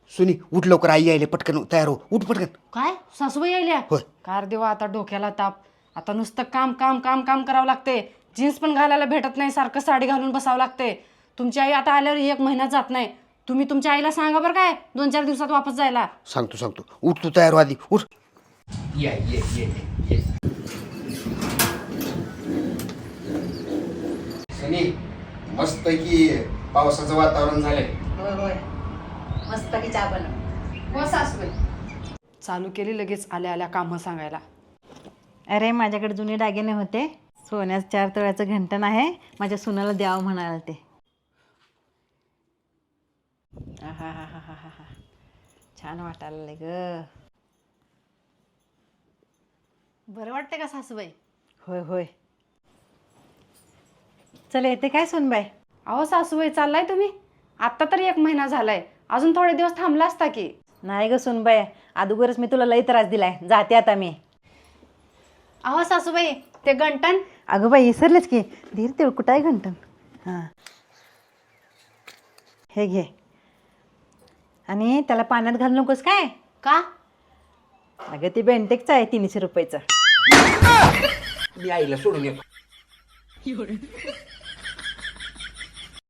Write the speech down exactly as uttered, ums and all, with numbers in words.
सुनी उठ लवकर, आई यायले, पटकन तयार हो, उठ पटकन. काय सासूबाई यायल्या? होय. कार देवा, आता डोक्याला ताप. आता नुसतं काम काम काम काम करावं लागते. जीन्स पण घालायला भेटत नाही, सारखं साडी घालून बसावं लागते. तुमची आई आता आल्यावर एक महिना जात नाही. तुम्ही तुमच्या आईला सांगा बरं काय, दोन चार दिवसात वापस जायला. सांगतो सांगतो, उठ तू तयार हो आधी, उठ. ये ये ये ये सनी, मस्त की पावसाचं वातावरण झालंय. होय होय मस्त की चहा बनव. हो सासूबाई. चालू केली लगेच आल्या आल्या कामं सांगायला. अरे माझ्याकडे जुने दागिने होते, सोन्याचं चार तोळ्याचं घंटण आहे, माझ्या सुनाला द्यावं म्हणाले ते. आहाहाहाहा. छान वाटायला ग. बरं वाटते का सासूबाई? होय होय. चल येते काय सुनबाई? अहो सासूबाई, चाललाय तुम्ही? आत्ता तरी एक महिना झालाय, अजून थोडे दिवस थांबला असता की. नाही ग सुनबाई, अगोदरच मी तुला लई त्रास दिलाय, जाते आता मी. अहो सासूबाई, ते गंटन. अगं बाई विसरलेच की, धीर तेवढं कुठं आहे घंटण? हां हे घे, आणि त्याला पाण्यात घालू नकोस काय. का? अगं ती बेंटेक्सचं आहे, तीनशे रुपयाचं. मी आईला सोडून येतो.